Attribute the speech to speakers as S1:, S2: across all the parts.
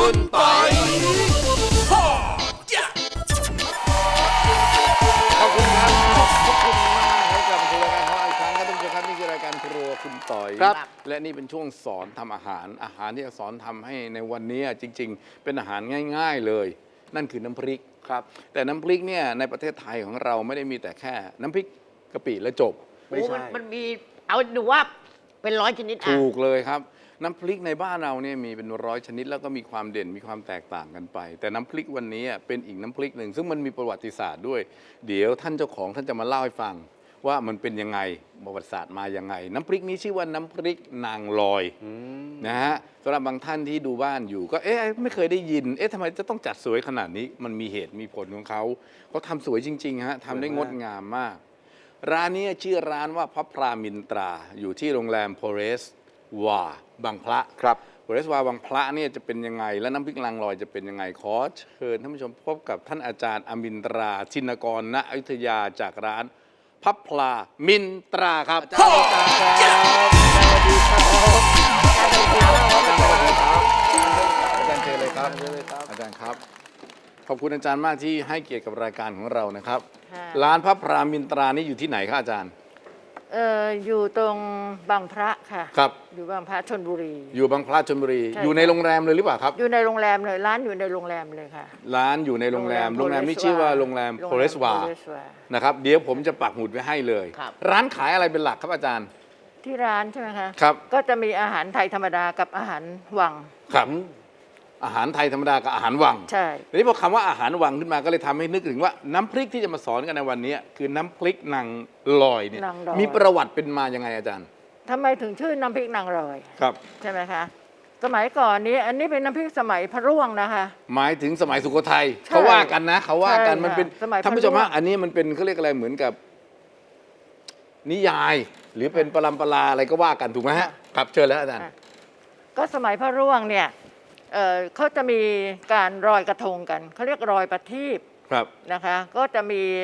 S1: คุณปอยขอบคุณครับขอบคุณมากให้กลับมาสู่รายการของเราอีกครั้งครับท่านผู้ชมครับนี่คือรายการครัวคุณต่อยครับและนี่เป็นช่วงสอนทำอาหารที่จะสอนทำให้ในวันนี้จริงๆเป็นอาหารง่ายๆเลยนั่นคือน้ำพริกครับแต่น้ำพริกเนี่ยในประเทศไทยของเราไม่ได้มีแต่แค่น้ำพริกกะปิและจบไม่ใช่
S2: มันมีเอาดูว่าเป็น100 ชนิด
S1: ถูกเลยครับน้ำพริกในบ้านเราเนี่ยมีเป็น100 ชนิดแล้วก็มีความเด่นมีความแตกต่างกันไปแต่น้ำพริกวันนี้เป็นอีกน้ำพริกหนึ่งซึ่งมันมีประวัติศาสตร์ด้วยเดี๋ยวท่านเจ้าของท่านจะมาเล่าให้ฟังว่ามันเป็นยังไงประวัติศาสตร์มายังไงน้ำพริกนี้ชื่อว่าน้ำพริกนางลอยนะฮะสำหรับบางท่านที่ดูบ้านอยู่ก็ไม่เคยได้ยินทำไมจะต้องจัดสวยขนาดนี้มันมีเหตุมีผลของเขาทำสวยจริงๆฮะทำได้งดงามมากร้านนี้ชื่อร้านว่าพระพรามินตราอยู่ที่โรงแรมโพเรสวาบางพระครับโพเรสวาบางพระเนี่ยจะเป็นยังไงและน้ำพริกนางลอยจะเป็นยังไงขอเชิญท่านผู้ชมพบกับท่านอาจารย์อมินตราชินกรณอยุธยาจากร้านพระพรามินตราครับอาจารย์ครับสวัสดีครับอาจารย์เชิญเลยครับอาจารย์ครับขอบคุณอาจารย์มากที่ให้เกียรติกับรายการของเรานะครับร้านพระพรามินตรานี่อยู่ที่ไหนครับอาจารย์
S3: อยู่ตรงบางพระค่ะ
S1: ครับ
S3: อยู่บางพระชลบุรี
S1: อยู่บางพระชลบุรีอยู่ในโรงแรมเลยหรือเปล่าครับ
S3: อยู่ในโรงแรมเลยร้านอยู่ในโรงแรมเลยค่ะ
S1: ร้านอยู่ในโรงแรมนี้ชื่อว่าโรงแรมโพเรสวานะครับเดี๋ยวผมจะปักหมุดไว้ให้เลยร้านขายอะไรเป็นหลักครับอาจารย์
S3: ที่ร้านใช่ไหมคะ
S1: ครับ
S3: ก็จะมีอาหารไทยธรรมดากับอาหารวัง
S1: ครับอาหารไทยธรรมดากับอาหารวัง
S3: ใช่
S1: ทีนี้พอคำว่าอาหารวังขึ้นมาก็เลยทำให้นึกถึงว่าน้ำพริกที่จะมาสอนกันในวันนี้คือน้ำพริกนางลอยเนี่ยมีประวัติเป็นมายังไงอาจารย์
S3: ทำไมถึงชื่อน้ำพริกนางลอย
S1: ครับ
S3: ใช่ไหมคะสมัยก่อนนี้อันนี้เป็นน้ำพริกสมัยพระร่วงนะคะ
S1: หมายถึงสมัยสุโขทัยเขาว่ากันนะเขาว่ากันมันเป็นท่านผู้ชมฮะอันนี้มันเป็นเขาเรียกอะไรเหมือนกับนิยายหรือเป็นปรัมปราอะไรก็ว่ากันถูกไหมฮะครับเชิญแล้วอาจารย์
S3: ก็สมัยพระร่วงเนี่ยเขาจะมีการลอยกระทงกันเขาเรียกลอยประทีปนะคะก็จะ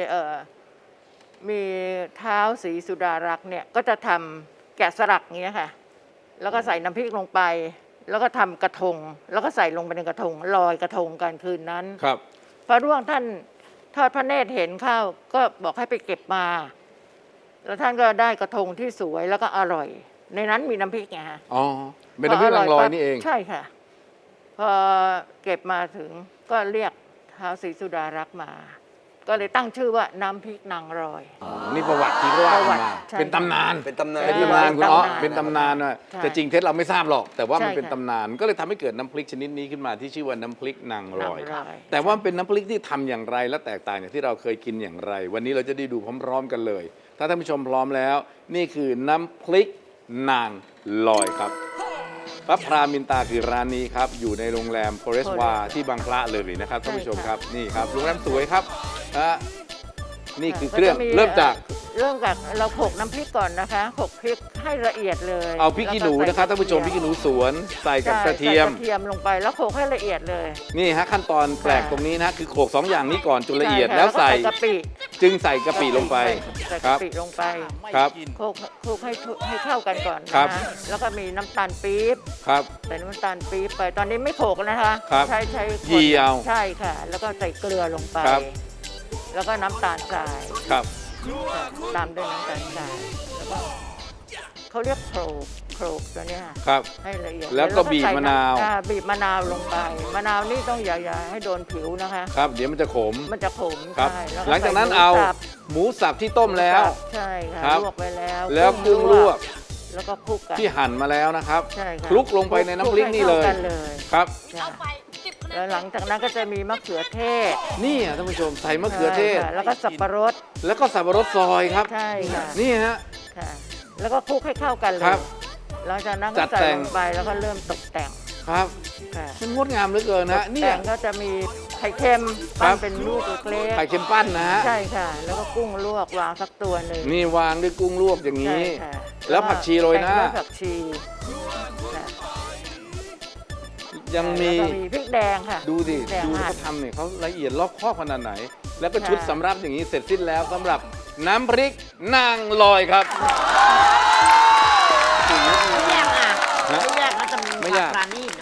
S3: มีเท้าศรีสุดารักษ์เนี่ยก็จะทำแกะสลักเงี้ยค่ะแล้วก็ใส่น้ำพริกลงไปแล้วก็ทำกระทงแล้วก็ใส่ลงไปในกระทงลอยกระทงกันคืนนั้น
S1: ครับ
S3: พระร่วงท่านทอดพระเนตรเห็นเข้าก็บอกให้ไปเก็บมาแล้วท่านก็ได้กระทงที่สวยแล้วก็อร่อยในนั้นมีน้ำพริกไงฮะ
S1: อ๋อเป็นน้ำพริกนางลอยนี่เอง
S3: ใช่ค่ะพอเก็บมาถึงก็เรียกท้าวศรีสุดารักษ์มาก็เลยตั้งชื่อว่าน้ำพริกนางลอย
S1: นี่ประวัติที่ว่ามาเป็นตำนานคุณอ๋อเป็นตำนานว่าแต่จริงเท็จเราไม่ทราบหรอกแต่ว่ามันเป็นตำนานก็เลยทำให้เกิดน้ำพริกชนิดนี้ขึ้นมาที่ชื่อว่าน้ำพริกนางลอยแต่ว่าเป็นน้ำพริกที่ทำอย่างไรและแตกต่างจากที่เราเคยกินอย่างไรวันนี้เราจะได้ดูพร้อมๆกันเลยถ้าท่านผู้ชมพร้อมแล้วนี่คือน้ำพริกนางลอยครับพระพรามินตราคือร้านนี้ครับอยู่ในโรงแรมโพเรสวาที่บางพระเลยนะครับท่านผู้ชมครับนี่ครับโรงแรมสวยครับนี่คือเครื่องเริ่มจาก
S3: เราโขลกน้ำพริกก่อนนะคะโขลกพริกให้ละเอียดเลย
S1: เอาพริกขี้หนูนะครับท่านผู้ชมพริกขี้หนูสวนใส่กับกระเทียม
S3: ลงไปแล้วโขลกให้ละเอียดเลย
S1: นี่ฮะขั้นตอนแปลกตรงนี้นะคือโขลก2อย่างนี้ก่อนจนละเอียดแล้วใส่
S3: กะปิ
S1: จึงใส่กะปิลงไป
S3: ครับกะปิลงไป
S1: ครับ
S3: โขลกให้เข้ากันก่อนนะแล้วก็มีน้ำตาลปี๊บ
S1: ครับ
S3: ใส่น้ำตาลปี๊บไปตอนนี้ไม่โขลกนะคะใช้
S1: ยีเอา
S3: ใช่ค่ะแล้วก็ใส่เกลือลงไปแล้วก็น้ำตาลทราย
S1: ครับ
S3: ตามด้วยน้ำตาลทรายแล้วก็เขาเรียกโขลกตัวนี้
S1: ครับ
S3: ให้ละเอียด
S1: แล้วก็บีบมะนาว
S3: ลงไปมะนาวนี่ต้องอย่าให้โดนผิวนะคะ
S1: ครับเดี๋ยวมันจะขม
S3: ใช่
S1: หลังจากนั้นเอาหมูสับที่ต้มแล้ว
S3: ใช่ค่ะลวกไว้
S1: แล้วกุ้งลวก
S3: แล้วก็คลุกกัน
S1: ที่หั่นมาแล้วนะครับ
S3: ใช่ค่ะ
S1: คลุกลงไปในน้ำพริกนี่เลยครับ
S3: แล้วหลังจากนั้นก็จะมีมะเขือเทศ
S1: นี่ท่านผู้ชมใส่มะเขือเทศ
S3: แล้วก็สับปะรด
S1: ซอยครับ
S3: ใช่ค่ะ
S1: นี่ฮะ
S3: แล้วก็คลุกให้เข้ากันเลยหลังจากนั้นก็ใส่ลงไปแล้วก็เริ่มตกแต่ง
S1: ครับมันงดงามเหลือเกินนะ
S3: นี่ก็จะมีไข่เค็มปั้นเป็นลูกเล็ก
S1: ไข่เค็มปั้นนะฮะ
S3: ใช่ค่ะแล้วก็กุ้งลวกวางสักตัวหนึ่ง
S1: นี่วางด้วยกุ้งลวกอย่างนี้แล้วผักชีโรยหน้า
S3: ผักชี
S1: ยังมี
S3: พริกแดงค่ะ
S1: ดูดิเขาทำเนี่ยเขาละเอียดรอบคอบขนาดไหนแล้วก็ชุดสำรับอย่างนี้เสร็จสิ้นแล้วสำหรับน้ำพริกนางลอยครับ
S2: ไม่แยกนะจะมี
S1: ไม่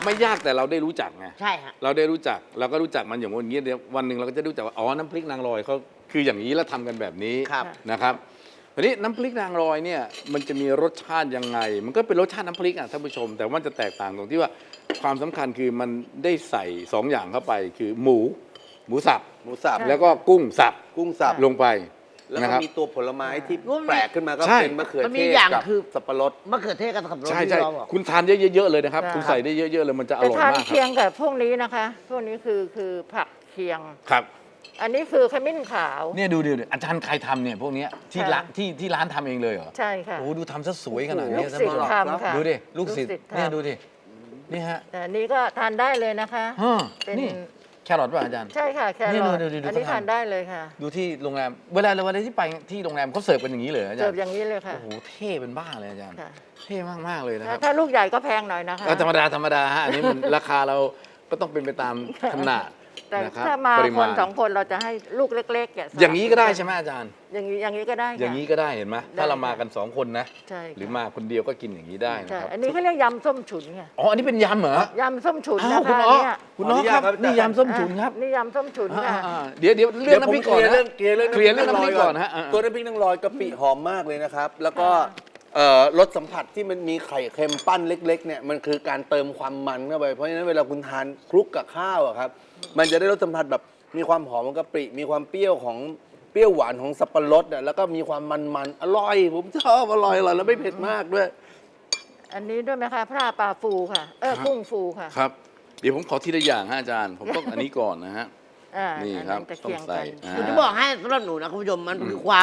S1: ไม่ยากแต่เราได้รู้จักไง
S2: ใช่ฮะ
S1: เราได้รู้จักเราก็รู้จักมันอย่างวันนี้เดี๋ยววันหนึ่งเราก็จะรู้จักว่าอ๋อน้ำพริกนางรอยเขาคืออย่างนี้แล้วทำกันแบบนี้
S2: ครับ
S1: นะครับทีนี้น้ำพริกนางรอยเนี่ยมันจะมีรสชาติยังไง มันก็เป็นรสชาติน้ำพริกอ่ะท่านผู้ชม แต่ว่าจะแตกต่างตรงที่ว่าความสำคัญคือมันได้ใส่2อย่างเข้าไปคือหมูสับ
S4: หมูสับ
S1: แล้วก็กุ้งสับ
S4: กุ้งสับ
S1: ลงไป
S4: แล้ว
S1: นะ
S4: ก็
S1: ครับ
S4: มีตัวผลไม้ที่
S2: มันมี
S4: แปลกขึ้นมาก็
S1: ใช่
S4: เป็นมะเขือ
S2: มัน
S4: เท
S2: มี
S4: ศ
S2: อย่าง
S4: กับ
S2: คือ
S4: สับปะรด
S2: มะเขือเทศกับสับปะรด
S1: ใช่
S2: ที่
S1: ใช่
S2: เราบอก
S1: คุณทานเยอะๆเลยนะครับ
S3: ค่ะ
S1: คุณใส่ได้เยอะๆเลยมันจะอ
S3: แต่
S1: ร่อย
S3: ทาน
S1: มากค
S3: เคีย
S1: รับ
S3: งกับพวกนี้นะคะ พวกนี้คือผักเคียง
S1: ครับ
S3: อันนี้คือขมิ้นขาว
S1: เนี่ยดูอาจารย์ใครทำเนี่ยพวกเนี้ยที่
S3: ค่ะ
S1: ร้านที่ร้านทำเองเลยเหรอ
S3: ใช่ค่ะ
S1: โอ้ดูทำซะสวยขนาด
S3: ลู
S1: นี้
S3: ก
S1: ท่าน
S3: ศิษ
S1: ผู้ช
S3: ย์
S1: ม
S3: ทำค่ะ
S1: ดูดิลูกศิษย์
S3: ทำ
S1: เนี่ยดูดินี่ฮะ
S3: แต่อันนี้ก็ทานได้เลยนะคะ
S1: ฮะ
S3: เป็น
S1: นี่แครอทป่ะอาจารย์
S3: ใช่ค่ะแค
S1: นี่
S3: รอท
S1: ดูดิ
S3: อันนี้
S1: เขาทำ
S3: ทานได้เลยค่ะ
S1: ดูที่โรงแรมเวลาที่ไปที่โรงแรมเขาเสิร์ฟกันอย่างนี้เลยอาจาร
S3: เสิร์ฟ
S1: ย์
S3: อย่างนี้เลยค่ะ
S1: โอ้โหเท่เป็นบ้าเลยอาจารย์
S3: ค่ะ
S1: เท่มากๆเลยนะครับ
S3: ถ้าลูกใหญ่ก็แพงหน่อยนะคะ
S1: ธรรมดาฮะอันนี้มัน ราคาเราก็ต้องเป็นไปตามขนาด
S3: แต่
S1: นะครับ
S3: ถ้ามา
S1: ปริ
S3: ค
S1: มาณ
S3: น2 คนเราจะให้ลูกเล็กๆแกะสลั
S1: อย่างนี้ก็ได้ใช่ไหมอาจารย์
S3: อย่างนี้ก็ได้ค่ะ
S1: อย่างนี้ก็ได้เห็นไหม
S3: ได้
S1: ถ้าเรามา
S3: ค่ะ
S1: กัน2 คนนะ
S3: ใช่ค่ะ
S1: หรือมาคนเดียวก็กินอย่างนี้ได้นะ
S3: ใช่
S1: ครับ
S3: อันนี้เขาเรียกยำส้มฉุนค่ะ
S1: อ๋ออันนี้เป็นยำเหรอ
S3: ยำส้มฉุน
S1: อ้าว
S3: นะ
S1: คุณ
S3: คะ
S1: อ๋อ
S3: เนี่ย
S1: คุณอ๋อครับ
S4: ขออนุญาตครับ
S1: นี่ยำส้มฉุนครับ
S3: นี่ยำส้มฉุนค่ะ
S1: เดี๋ยวเรื่องน้ำพริกก่อนนะ
S4: เคลียร์เรื่อง
S1: เคลียร์เรื่องน้ำพริกก่อนนะฮะ
S4: ตัวน้ำพริกนางรอยกะปิหอมมากเลยนะครับ แล้วก็รสสัมผัสที่มันมีไข่เค็มปั้นเล็กๆเนี่ยมันคือการเติมความมันเข้าไปเพราะฉะนั้นเวลาคุณทานคลุกกับข้าวอะครับมันจะได้รสสัมผัสแบบมีความหอมของกะปิมีความเปรี้ยวของเปรี้ยวหวานของสับปะรดอะแล้วก็มีความมันๆอร่อยผมชอบอร่อยแล้วไม่เผ็ดมากด้วย
S3: อันนี้ด้วยไหมคะพร่าปลาฟูค่ะกุ้งฟูค่ะ
S1: ครับ เดี๋ยวผมขอทีละอย่างฮะอาจารย์ ผมต้องอันนี้ก่อนนะฮะ นี่
S3: อั
S1: ครับ
S3: จะ
S1: ต้อง
S3: เคียง
S1: ใส่
S3: กัน
S2: ผมจะบอกให้สำหรับหนูนะคุณผู้ชมมันคือความ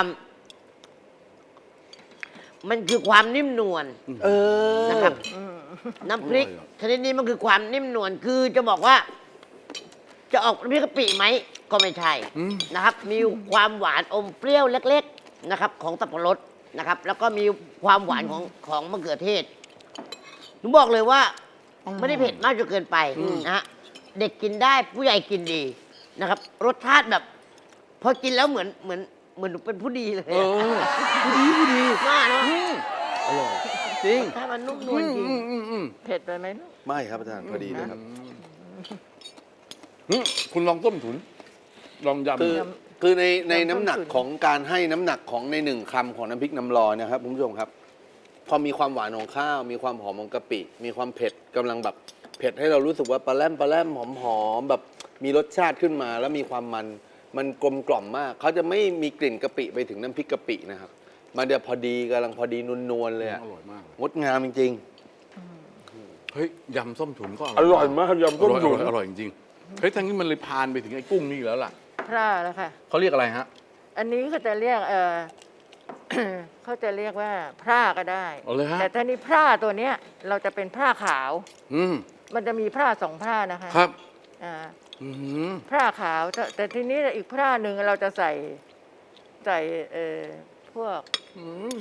S2: มันคือความนิ่มนวล
S4: เออ
S2: นะครับ น้ำพริกชนิดนี้มันคือความนิ่มนวลคือจะบอกว่า จะออกน้ำพริกกะปิไหมก็ไม่ใช่นะครับ มีความหวานอมเปรี้ยวเล็ก ๆนะครับ ของสับปะรดนะครับ แล้วก็มีความหวานของมะเขือเทศหนูบอกเลยว่าไม่ได้เผ็ดมากจนเกินไปนะฮะเด็กกินได้ผู้ใหญ่กินดีนะครับ รสชาติแบบ พอกินแล้วเหมือนหนูเป็นผู้ดีเลย
S1: เออผู้ดี
S2: มากเนาะ
S4: อร่อย
S1: จริง
S2: ถ้ามันนุ่มนวลจริง
S3: เผ็ดไปไหมลูก
S4: ไม่ครับอาจารย์พอดีเลยครับ
S1: คุณลองต้มถุน ลองยำ
S4: คือใน
S3: ยำส้ม
S4: น้ำหนัก
S3: ฉุน
S4: ของการให้น้ำหนักของในหนึ่งคำของน้ำพริกน้ำลอยนะครับคุณผู้ชมครับ พอมีความหวานของข้าว มีความหอมของกะปิ มีความเผ็ดกำลังแบบเผ็ดให้เรารู้สึกว่าปลาแรมหอมๆแบบมีรสชาติขึ้นมา แล้วมีความมันกลมกล่อมมากเขาจะไม่มีกลิ่นกะปิไปถึงน้ำพริกกะปินะครับมันจะพอดีกำลังพอดีนวลๆเลยอะ
S1: อร่อยมาก
S4: งดงามจริง
S1: เฮ้ยยำส้มถุนก็
S4: ๆอร่อยมากยำต้มตุ๋น
S1: อร่อยจริงๆเฮ้ยทั้งนี้มันเลยพานไปถึงไอ้กุ้งนี่แล้วล่ะ
S3: พร่าแล้วค่ะ
S1: เขาเรียกอะไรฮะ
S3: อันนี้เขาจะเรียกเขาจะเรียกว่าพร่าก็ได้
S1: เอาเลยฮะ
S3: แต่ถ้านี่พร่าตัวเนี้ย เราจะเป็นพร่าขาว
S1: อืม
S3: มันจะมีพร่า2พร่านะคะ
S1: ครับ
S3: อ่า
S1: อืม
S3: พร่าขาวแต่ทีนี้อีกพร่าหนึ่งเราจะใส่พวก
S1: อืม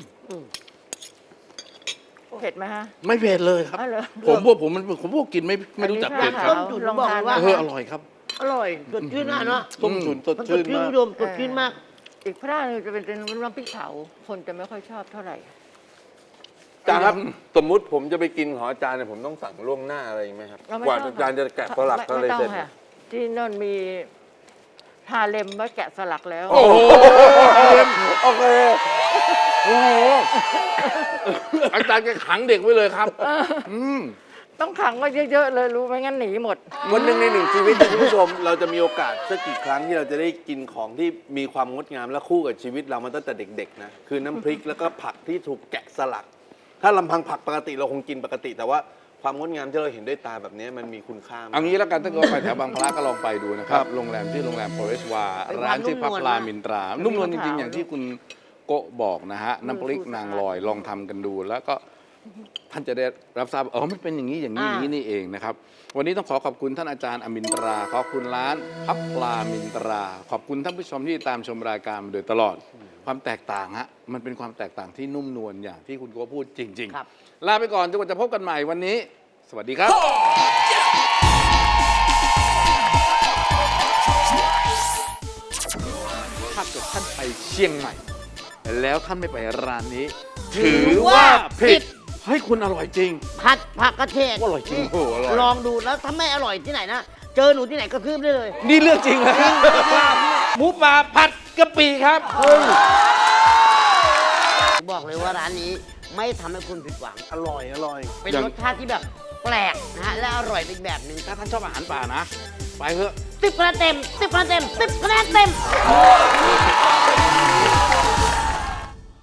S3: เผ็ดไหมฮะ
S1: ไม่เผ็ดเลยครับ
S3: อ๋อเหรอ
S1: ผมพวกกินไม่รู้จักเผ็ดค
S3: อั
S1: รับ
S3: นนี้
S2: จุด
S3: ลอง
S2: บอก
S3: ทาน
S2: เลยว่า
S1: เอออร่อยครับ
S2: อร่อยสดชื่นมากเนาะ
S4: ต้มตุ๋นสด
S2: มันส
S4: ชื่
S2: ด
S4: น
S2: ชื่น
S4: มา
S2: คุ
S4: ก
S2: ณผู้ชมสดชื่นมาก
S3: อีกพร่าหนึงจะเป็นน้ำพริกเผาคนจะไม่ค่อยชอบเท่าไหร่
S4: อาจารย์ครับสมมุติผมจะไปกินของอาจารย์เนี่ยผมต้องสั่งล่วงหน้าอะไรไหมครับ
S3: เราไม่
S4: กว่า
S3: ต้อง
S4: อาจารย์จะแกะสลัก
S3: ไม่
S4: อะไร
S3: ต้อง
S4: เสร็จ
S3: ค่ะ ที่นั่นมีฮาเลมไว้แกะสลักแล้ว
S1: โอ้โห
S4: โอเค
S1: โอ้โหอาจารย์แกขังเด็กไว้เลยครับม
S3: ต้องขังไว้เยอะๆเลยรู้ไหมงั้นหนีหมด
S4: วันหนึ่งในหนึ่งชีวิตคุณผู้ชม เราจะมีโอกาสสักกี่ครั้งที่เราจะได้กินของที่มีความงดงามและคู่กับชีวิตเรามาตั้งแต่เด็กๆนะคือน้ำพริกแล้วก็ผักที่ถูกแกะสลัก ถ้าลำพังผักปกติเราคงกินปกติ แต่ว่าความงดงามที่เราเห็นด้วยตาแบบนี้มันมีคุณค่ามาก
S1: เอางี้แล้วกันถ้าเกิดว่าไปแถวบางพระก็ลองไปดูนะครับ โรงแรมที่โรงแรมโพเรสวา
S2: เป็น
S1: ร้านชื่อพับ
S2: นุ่มนวล
S1: ปลามินตรา นุ่มนวลจริงๆ
S3: ขาว
S1: อย่างที่คุณโกะบอกนะฮะ น้ำพริกนางลอยลองทำกันดู แล้วก็ท่านจะได้รับทราบอ๋อมันเป็นอย่างนี้อย่างนี้อย่างนี้นี่เองนะครับ วันนี้ต้องขอบคุณท่านอาจารย์อมินตรา ขอบคุณร้านพับปลามินตรา ขอบคุณท่านผู้ชมที่ตามชมรายการมาโดยตลอด ความแตกต่างฮะ มันเป็นความแตกต่างที่นุ่มนวลอย่างที่คุณโกะพูดจริง
S2: ครับ
S1: ๆ ลาไปก่อนจนกว่าจะพบกันใหม่วันนี้ สวัสดีครับ ถ้าเกิดท่านไปเชียงใหม่ แล้วท่านไม่ไปร้านนี้ ถือว่าผิด เฮ้ยให้คุณอร่อยจริง
S2: ผัดผักกระเฉด
S1: อร่อยจริง
S2: นี่
S1: โอ้โหอร่อย
S2: ลองดูแล้วถ้าไม่อร่อยที่ไหนนะ เจอหนูที่ไหนก็คืบได้เลย
S4: นี่เรื่องจริงเลยหมูป่าผัดกะปิครับ
S2: บอกเลยว่าร้านนี้ไม่ทำให้คุณผิดหวัง
S4: อร่อยอร่อย
S2: เป็นรสชาติที่แบบแปลกนะฮะและอร่อยเป็นแบบหนึ่ง
S1: ถ้าท่านชอบอาหารป่านะ ไปเถอะ
S2: 10 คะแนนเต็ม 10 คะแนนเต็ม 10 คะแนนเต็ม